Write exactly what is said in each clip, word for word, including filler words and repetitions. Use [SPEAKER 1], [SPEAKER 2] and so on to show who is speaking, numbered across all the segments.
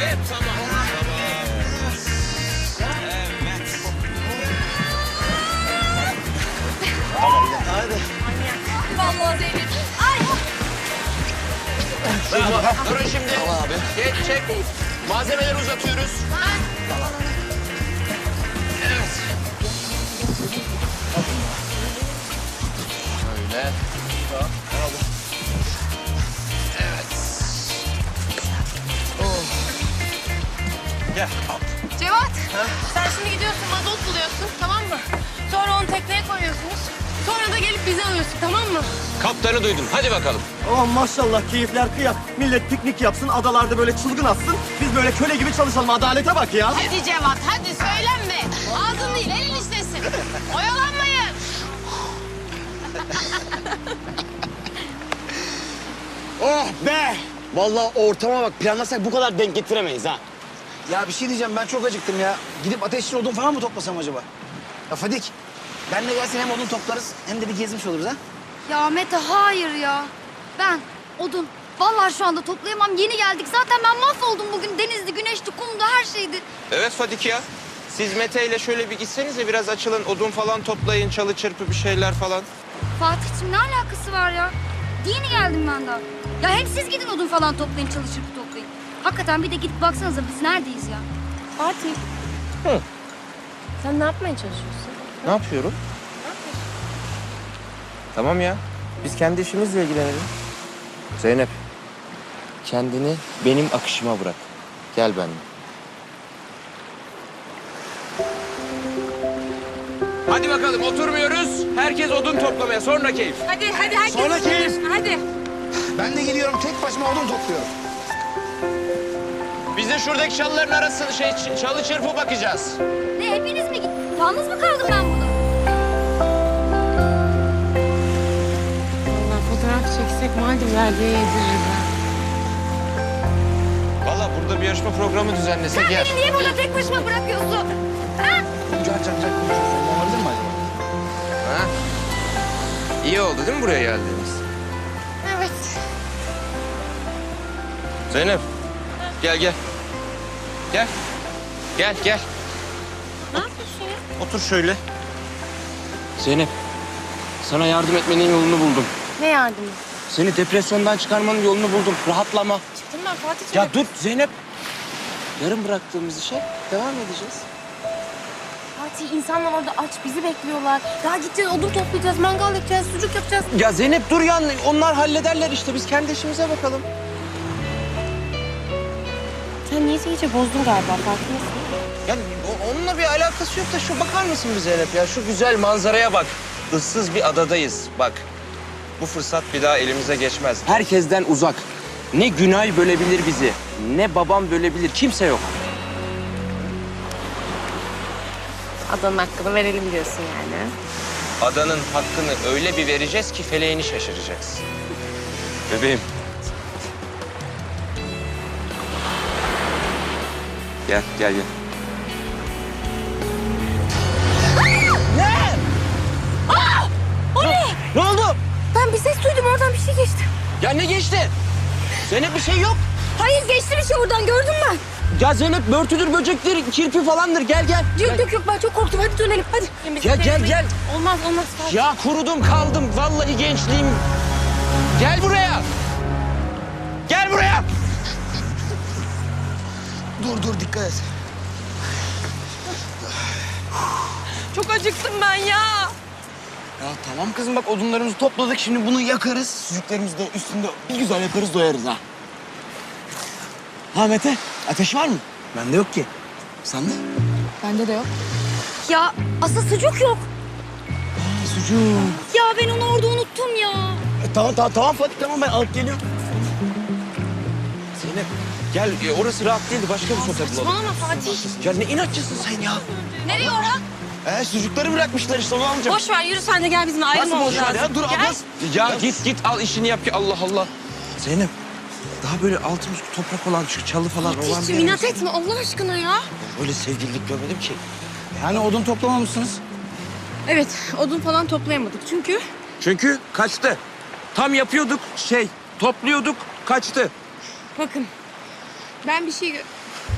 [SPEAKER 1] Evet, tamam.
[SPEAKER 2] Tamam ya, hadi.
[SPEAKER 3] Vallahi Zeynep. Ay.
[SPEAKER 1] Bravo. Durun şimdi.
[SPEAKER 2] Tamam abi.
[SPEAKER 1] Geç, çek. Malzemeleri uzatıyoruz. Evet. Şöyle. Evet.
[SPEAKER 2] Gel.
[SPEAKER 3] Cevat. Sen şimdi gidiyorsun mazot buluyorsun tamam mı? Sonra onu tekneye koyuyorsunuz. Sonra da gelip bizi alıyorsun tamam mı?
[SPEAKER 1] Kaptanı duydum. Hadi bakalım.
[SPEAKER 2] Aman maşallah keyifler kıyak. Millet piknik yapsın, adalarda böyle çılgın atsın. Biz böyle köle gibi çalışalım. Adalete bak ya.
[SPEAKER 3] Hadi Cevat hadi söylenme. Ağzın değil elin işlesin. Oyalanmayın.
[SPEAKER 4] Oh be! Vallahi ortama bak, planlasak bu kadar denk getiremeyiz ha.
[SPEAKER 5] Ya bir şey diyeceğim, ben çok acıktım ya. Gidip ateşli odun falan mı toplasam acaba? Ya Fadik, benle gelsin, hem odun toplarız hem de bir gezmiş oluruz ha.
[SPEAKER 6] Ya Mete hayır ya. Ben odun. Vallahi şu anda toplayamam. Yeni geldik. Zaten ben mahvoldum bugün. Denizdi, güneşti, kumdu, her şeydi.
[SPEAKER 7] Evet Fadik ya. Siz Mete ile şöyle bir gitsenize biraz açılın. Odun falan toplayın, çalı çırpı bir şeyler falan.
[SPEAKER 6] Fatih'cim ne alakası var ya? Yeni geldim ben daha. Ya hem siz gidin odun falan toplayın, çalışıp toplayın. Hakikaten bir de gidip baksanıza biz neredeyiz ya?
[SPEAKER 3] Fatih.
[SPEAKER 7] Hı.
[SPEAKER 3] Sen ne yapmaya çalışıyorsun?
[SPEAKER 7] Ne yapıyorum? Tamam ya. Biz kendi işimizle ilgilenelim. Zeynep. Kendini benim akışıma bırak. Gel benimle. Hadi bakalım oturmuyoruz. Herkes odun toplamaya. Sonra keyif.
[SPEAKER 3] Hadi hadi herkes.
[SPEAKER 5] Sonra keyif.
[SPEAKER 3] Hadi.
[SPEAKER 5] Ben de geliyorum, tek başıma odun topluyorum.
[SPEAKER 7] Biz de şuradaki çalıların arasını şey ç- çalı çırpı bakacağız.
[SPEAKER 6] Ne hepiniz mi gittiniz? Yalnız mı kaldım ben burada?
[SPEAKER 3] Vallahi fotoğraf çeksek Maldivler'de yedirir ben.
[SPEAKER 7] Valla burada bir yarışma programı düzenlesek
[SPEAKER 6] Sen
[SPEAKER 7] yer.
[SPEAKER 6] beni niye burada tek başıma bırakıyorsun? Ha?
[SPEAKER 5] Can can can konuşuyoruz. Olabilir mi acaba?
[SPEAKER 7] Ha? İyi oldu değil mi buraya geldiğimiz?
[SPEAKER 3] Evet.
[SPEAKER 7] Zeynep. Gel gel. Gel. Gel gel.
[SPEAKER 3] Ne yapıyorsun ya?
[SPEAKER 7] Otur şöyle. Zeynep. Sana yardım etmenin yolunu buldum.
[SPEAKER 3] Ne yardımı?
[SPEAKER 7] Seni depresyondan çıkarmanın yolunu buldum. Rahatlama.
[SPEAKER 3] Çıktım ben Fatih'ciğim.
[SPEAKER 7] Ya dur Zeynep. Yarım bıraktığımız işe devam edeceğiz.
[SPEAKER 3] Fatih insanlar orada aç bizi bekliyorlar. Daha gideceğiz odun toplayacağız, mangal yapacağız, sucuk yapacağız.
[SPEAKER 7] Ya Zeynep dur ya. Onlar hallederler işte. Biz kendi işimize bakalım.
[SPEAKER 3] Sen niyeyse iyice bozdun galiba farkındasın.
[SPEAKER 7] Ya o- onunla bir alakası yok da şu bakar mısın bir Zeynep ya? Şu güzel manzaraya bak. Issız bir adadayız bak. Bu fırsat bir daha elimize geçmez. Herkesten uzak. Ne Günay bölebilir bizi, ne babam bölebilir. Kimse yok.
[SPEAKER 3] Adanın hakkını verelim diyorsun yani.
[SPEAKER 7] Adanın hakkını öyle bir vereceğiz ki feleğini şaşıracaksın. Bebeğim. Gel, gel, gel.
[SPEAKER 3] O ne?
[SPEAKER 7] Ne oldu?
[SPEAKER 3] Ben bir ses duydum oradan bir şey geçti.
[SPEAKER 7] Ya ne geçti? Zeynep bir şey yok.
[SPEAKER 6] Hayır geçti bir şey oradan gördüm ben.
[SPEAKER 7] Ya Zeynep börtüdür, böcektir, kirpi falandır. Gel, gel.
[SPEAKER 3] Yok yok yok ben çok korktum hadi dönelim hadi.
[SPEAKER 7] Ya gel, gel.
[SPEAKER 3] Olmaz olmaz Fatih.
[SPEAKER 7] Ya kurudum kaldım. Vallahi gençliğim. Gel buraya. Gel buraya.
[SPEAKER 5] Dur dur, dikkat et.
[SPEAKER 3] Çok acıktım ben ya.
[SPEAKER 5] Ya tamam kızım, bak odunlarımızı topladık, şimdi bunu yakarız. Sucuklarımızı da üstünde bir güzel yaparız, doyarız ha. Ha Mete, ateş var mı? Bende yok ki. Sende?
[SPEAKER 3] Bende de yok.
[SPEAKER 6] Ya asıl sucuk yok.
[SPEAKER 5] Aa, sucuk.
[SPEAKER 6] Ya ben onu orada unuttum ya.
[SPEAKER 5] E, tamam tamam tamam Fatih, tamam ben alıp geliyorum.
[SPEAKER 7] Zeynep gel. Ya orası rahat değildi. Başka bir sokak bulalım.
[SPEAKER 3] Saçmalama Fatih.
[SPEAKER 7] Ya ne inatçısın sen ya?
[SPEAKER 3] Nereye Orhan?
[SPEAKER 5] Ee, sucukları bırakmışlar işte, onu alacağım.
[SPEAKER 3] Boş ver yürü sen de gel bizimle ayrılma
[SPEAKER 5] Nasıl boş ver
[SPEAKER 3] olacağız.
[SPEAKER 5] ya? Dur
[SPEAKER 3] Gel.
[SPEAKER 5] ablası.
[SPEAKER 7] Ya git git al işini yap ki Allah Allah. Zeynep daha böyle altımız toprak olan şu çalı falan olan bir
[SPEAKER 3] Fatih'ciğim
[SPEAKER 7] yer
[SPEAKER 3] inat
[SPEAKER 7] olsa-
[SPEAKER 3] etme Allah aşkına ya.
[SPEAKER 7] Öyle sevgililik görmedim ki.
[SPEAKER 5] Yani odun toplamamışsınız.
[SPEAKER 3] Evet odun falan toplayamadık çünkü.
[SPEAKER 7] Çünkü kaçtı. Tam yapıyorduk şey topluyorduk kaçtı.
[SPEAKER 3] Bakın ben bir şey... gö-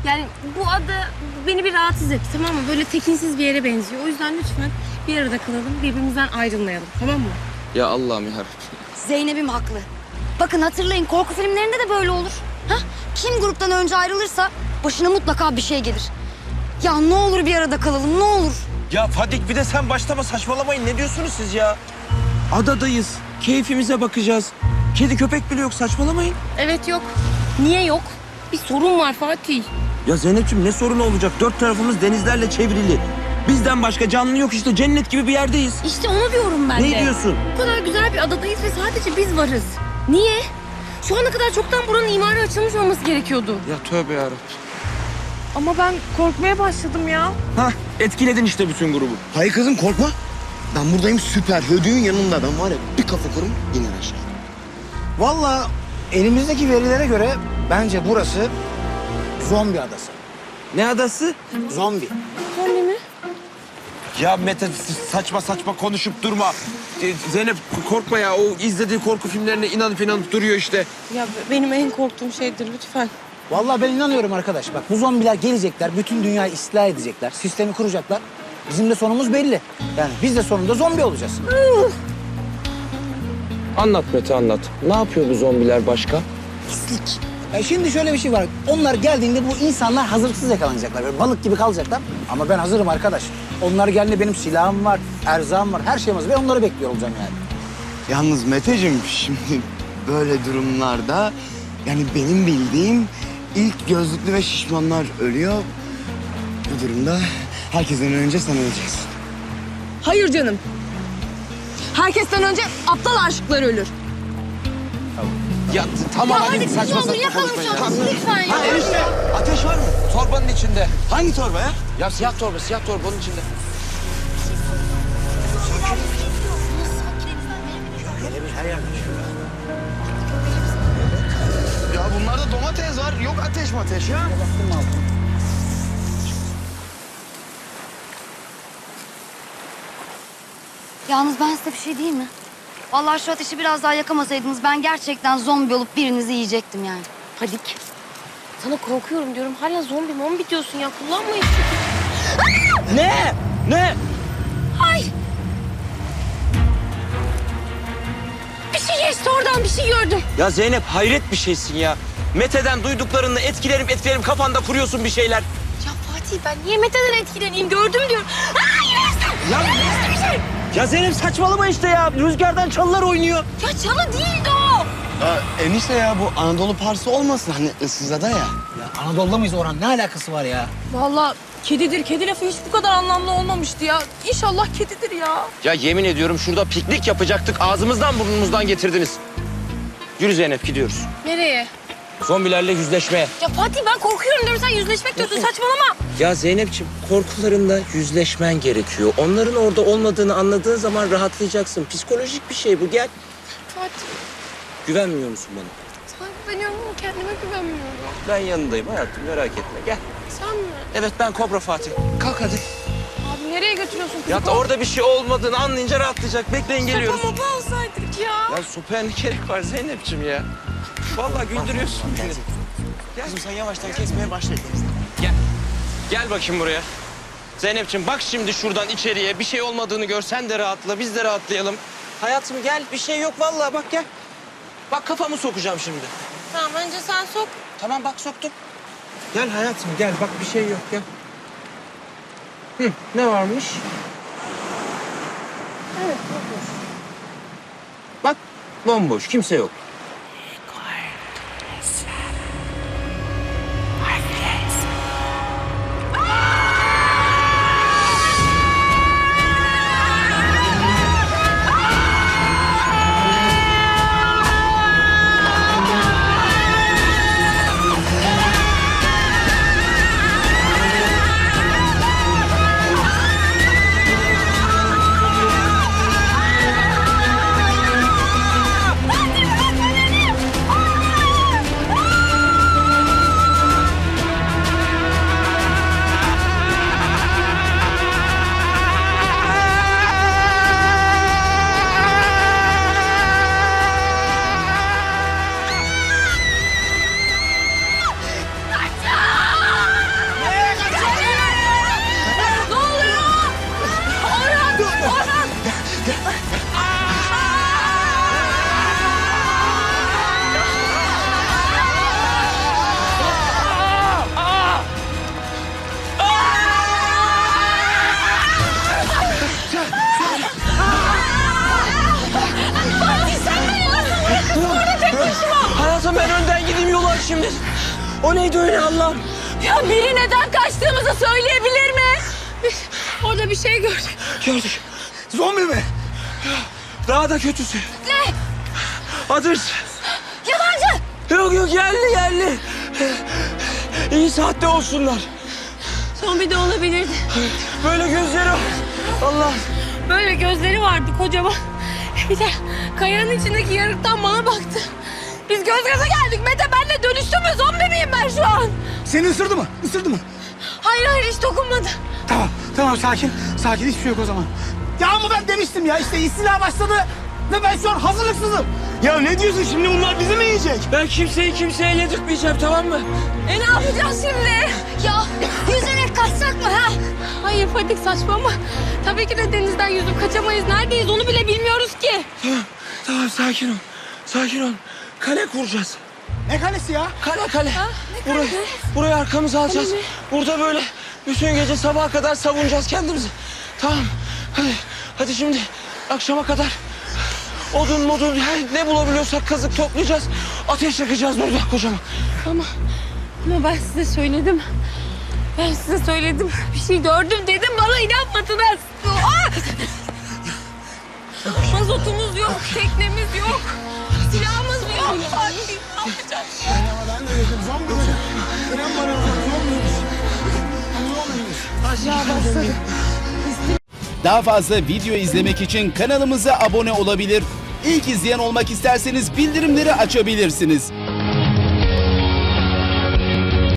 [SPEAKER 3] Yani bu ada beni bir rahatsız etti, tamam mı? Böyle tekinsiz bir yere benziyor. O yüzden lütfen bir arada kalalım, birbirimizden ayrılmayalım, tamam mı?
[SPEAKER 7] Ya Allah'ım ya.
[SPEAKER 6] Zeynep'im haklı. Bakın hatırlayın, korku filmlerinde de böyle olur. Ha? Kim gruptan önce ayrılırsa başına mutlaka bir şey gelir. Ya ne olur bir arada kalalım, ne olur.
[SPEAKER 7] Ya Fadik, bir de sen başlama, saçmalamayın. Ne diyorsunuz siz ya? Adadayız. Keyfimize bakacağız. Kedi köpek bile yok, saçmalamayın.
[SPEAKER 3] Evet, yok. Niye yok? Bir sorun var Fatih.
[SPEAKER 7] Ya Zeynep'ciğim, ne sorunu olacak? Dört tarafımız denizlerle çevrili. Bizden başka canlı yok işte. Cennet gibi bir yerdeyiz.
[SPEAKER 3] İşte onu diyorum ben de.
[SPEAKER 7] Ne diyorsun?
[SPEAKER 3] Bu kadar güzel bir adadayız ve sadece biz varız. Niye? Şu ana kadar çoktan buranın imarı açılmış olması gerekiyordu.
[SPEAKER 7] Ya tövbe yarabbim.
[SPEAKER 3] Ama ben korkmaya başladım ya.
[SPEAKER 7] Hah, etkiledin işte bütün grubu.
[SPEAKER 4] Hayır kızım korkma. Ben buradayım süper. Hödüğün yanında. Ben var ya bir kafa kurum iner aşağı.
[SPEAKER 5] Vallahi elimizdeki verilere göre bence burası zombi adası.
[SPEAKER 7] Ne adası?
[SPEAKER 5] Zombi.
[SPEAKER 3] Zombi mi?
[SPEAKER 7] Ya Mete, saçma saçma konuşup durma. Ee, Zeynep korkma ya. O izlediği korku filmlerine inanıp inanıp duruyor işte.
[SPEAKER 3] Ya benim en korktuğum şeydir lütfen.
[SPEAKER 5] Vallahi ben inanıyorum arkadaş. Bak bu zombiler gelecekler, bütün dünyayı istila edecekler, sistemi kuracaklar. Bizim de sonumuz belli. Yani biz de sonunda zombi olacağız.
[SPEAKER 7] Anlat Mete, anlat. Ne yapıyor bu zombiler başka?
[SPEAKER 5] Pislik. Ya şimdi şöyle bir şey var. Onlar geldiğinde bu insanlar hazırlıksız yakalanacaklar. Böyle balık gibi kalacaklar. Ama ben hazırım arkadaş. Onlar geldiğinde benim silahım var, erzağım var, her şeyim hazır. Ben onları bekliyor olacağım yani.
[SPEAKER 4] Yalnız Meteciğim şimdi böyle durumlarda yani benim bildiğim ilk gözlüklü ve şişmanlar ölüyor. Bu durumda herkesten önce sen öleceksin.
[SPEAKER 3] Hayır canım. Herkesten önce aptal aşıklar ölür.
[SPEAKER 7] Ya tamam
[SPEAKER 3] Ya
[SPEAKER 7] hadi,
[SPEAKER 3] hadi
[SPEAKER 7] saçma
[SPEAKER 3] ne olur
[SPEAKER 7] saçma
[SPEAKER 3] yakalım
[SPEAKER 7] konuşmayın.
[SPEAKER 3] şu an. Lütfen ya.
[SPEAKER 7] Hadi enişte, ateş var mı? Torbanın içinde.
[SPEAKER 4] Hangi torba ya?
[SPEAKER 7] Ya siyah torba, siyah torba onun içinde.
[SPEAKER 4] Ya bunlarda domates var. Yok ateş mateş ya.
[SPEAKER 6] Yalnız ben size bir şey diyeyim mi? Vallahi şu ateşi biraz daha yakamasaydınız ben gerçekten zombi olup birinizi yiyecektim yani.
[SPEAKER 3] Fadik. Sana korkuyorum diyorum. Hala zombi mombi diyorsun ya. Kullanmayın.
[SPEAKER 7] Ne? Ne?
[SPEAKER 3] Ay. Bir şey geçti oradan. Bir şey gördüm.
[SPEAKER 7] Ya Zeynep, hayret bir şeysin ya. Mete'den duyduklarını etkilerim etkilerim kafanda kuruyorsun bir şeyler.
[SPEAKER 3] Ya Fatih ben niye Mete'den etkileneyim? Gördüm diyorum. Aa yine Estem.
[SPEAKER 7] Ya,
[SPEAKER 3] Yine bir şey.
[SPEAKER 7] ya Zeynep saçmalama işte ya. Rüzgardan çalılar oynuyor.
[SPEAKER 3] Ya çalı değildi o.
[SPEAKER 4] Ya enişte ya bu Anadolu Parsı olmasın hani ıssızada ya.
[SPEAKER 5] Ya Anadolu'da mıyız Orhan? Ne alakası var ya?
[SPEAKER 3] Vallahi kedidir. Kedi lafı hiç bu kadar anlamlı olmamıştı ya. İnşallah kedidir ya.
[SPEAKER 7] Ya yemin ediyorum şurada piknik yapacaktık. Ağzımızdan burnumuzdan getirdiniz. Yürü Zeynep, gidiyoruz.
[SPEAKER 3] Nereye?
[SPEAKER 7] Zombilerle yüzleşmeye.
[SPEAKER 3] Ya Fatih ben korkuyorum diyorum. Sen yüzleşmek diyorsun. Saçmalama.
[SPEAKER 7] Ya Zeynep'ciğim, korkularınla yüzleşmen gerekiyor. Onların orada olmadığını anladığın zaman rahatlayacaksın. Psikolojik bir şey bu, gel.
[SPEAKER 3] Fatih
[SPEAKER 7] Güvenmiyor musun bana?
[SPEAKER 3] sana güveniyorum ama kendime güvenmiyorum.
[SPEAKER 7] Ben yanındayım hayatım, merak etme. Gel.
[SPEAKER 3] Sen mi?
[SPEAKER 7] Evet, ben Kobra Fatih. Kalk hadi.
[SPEAKER 3] Abi nereye götürüyorsun kızı?
[SPEAKER 7] Ya da orada bir şey olmadığını anlayınca rahatlayacak. Bekleyin, geliyoruz.
[SPEAKER 3] Sopa mopa alsaydık ya.
[SPEAKER 7] Ya sopaya ne gerek var Zeynep'ciğim ya? Vallahi güldürüyorsun beni.
[SPEAKER 4] Kızım sen yavaştan kesmeye başla.
[SPEAKER 7] Gel. Gel bakayım buraya. Zeynep'ciğim bak şimdi şuradan içeriye. Bir şey olmadığını gör. Sen de rahatla, biz de rahatlayalım. Hayatım gel. Bir şey yok vallahi, bak gel. Bak kafamı sokacağım şimdi.
[SPEAKER 3] Tamam önce sen sok.
[SPEAKER 7] Tamam bak soktum. Gel hayatım gel. Bak bir şey yok gel. Hı, ne varmış?
[SPEAKER 3] Evet bomboş.
[SPEAKER 7] Bak bomboş. Kimse yok.
[SPEAKER 3] Fatih bırak
[SPEAKER 5] O neydi öyle Allah'ım?
[SPEAKER 3] Ya biri neden kaçtığımızı söyleyebilir mi? Biz orada bir şey gördük.
[SPEAKER 5] Gördük. Zombi mi? Daha da kötüsü.
[SPEAKER 3] Ne?
[SPEAKER 5] Adır.
[SPEAKER 6] Yalancı!
[SPEAKER 5] Yok yok yerli yerli. İyi saatte olsunlar.
[SPEAKER 3] Zombi de olabilirdi.
[SPEAKER 5] Böyle gözleri var. Allah.
[SPEAKER 3] Böyle gözleri vardı kocaman. Bir de kayanın içindeki yarıktan bana baktı. Biz göz göze geldik. Mete benle dönüştü mü? Zombi miyim ben şu an?
[SPEAKER 8] Seni ısırdı mı? Isırdı mı?
[SPEAKER 3] Hayır hayır hiç dokunmadı.
[SPEAKER 8] Tamam, tamam sakin. Sakin, hiçbir şey yok o zaman. Ya ama ben demiştim ya, işte istila başladı ve ben şu an hazırlıksızım.
[SPEAKER 2] Ya ne diyorsun şimdi, bunlar bizi mi yiyecek?
[SPEAKER 5] Ben kimseyi kimseye yedirtmeyeceğim, tamam mı?
[SPEAKER 3] E ne yapacağız şimdi?
[SPEAKER 6] Ya yüzerek kaçsak mı ha?
[SPEAKER 3] Hayır Fadik saçmalama. Tabii ki de denizden yüzüp kaçamayız. Neredeyiz onu bile bilmiyoruz ki.
[SPEAKER 5] Tamam, tamam sakin ol. Sakin ol. Kale kuracağız.
[SPEAKER 8] Ne kalesi ya?
[SPEAKER 5] Kale kale. Burayı, burayı arkamıza alacağız. Burada böyle bütün gece sabaha kadar savunacağız kendimizi. Tamam. Hadi, hadi şimdi akşama kadar odun modun her ne bulabiliyorsak kazık toplayacağız. Ateş yakacağız burada kocaman.
[SPEAKER 3] Ama, ama ben size söyledim. Ben size söyledim. Bir şey gördüm dedim bana inanmadınız. Ah! Mazotumuz yok, teknemiz yok. Silahımız yok. Ay, ne yapacağız?
[SPEAKER 8] Ben de dedim, zombi mi? İnan bana, zombiymiş. Zombiymiş.
[SPEAKER 3] Aşağı başladı.
[SPEAKER 9] Daha fazla video izlemek için kanalımıza abone olabilir. İlk izleyen olmak isterseniz bildirimleri açabilirsiniz.